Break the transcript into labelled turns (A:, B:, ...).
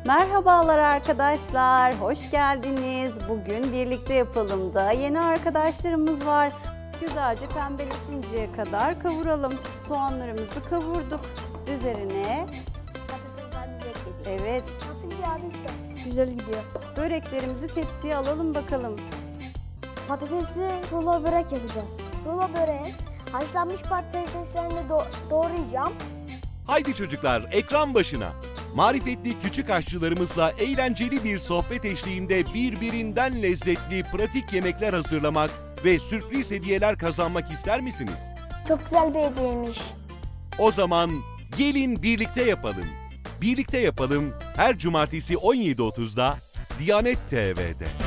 A: Merhabalar arkadaşlar, hoş geldiniz. Bugün birlikte yapalım da yeni arkadaşlarımız var. Güzelce pembeleşinceye kadar kavuralım. Soğanlarımızı kavurduk. Üzerine
B: Patateslerimizi ekledik.
A: evet
B: Nasıl gidiyor abi usta? Güzel gidiyor.
A: böreklerimizi tepsiye alalım bakalım.
B: Patatesli rulo börek yapacağız. Rulo böreği haşlanmış patateslerini doğrayacağım.
C: Haydi çocuklar ekran başına. Marifetli küçük aşçılarımızla eğlenceli bir sohbet eşliğinde birbirinden lezzetli pratik yemekler hazırlamak ve sürpriz hediyeler kazanmak ister misiniz?
B: Çok güzel bir hediyeymiş.
C: O zaman gelin birlikte yapalım. Birlikte yapalım her cumartesi 17.30'da Diyanet TV'de.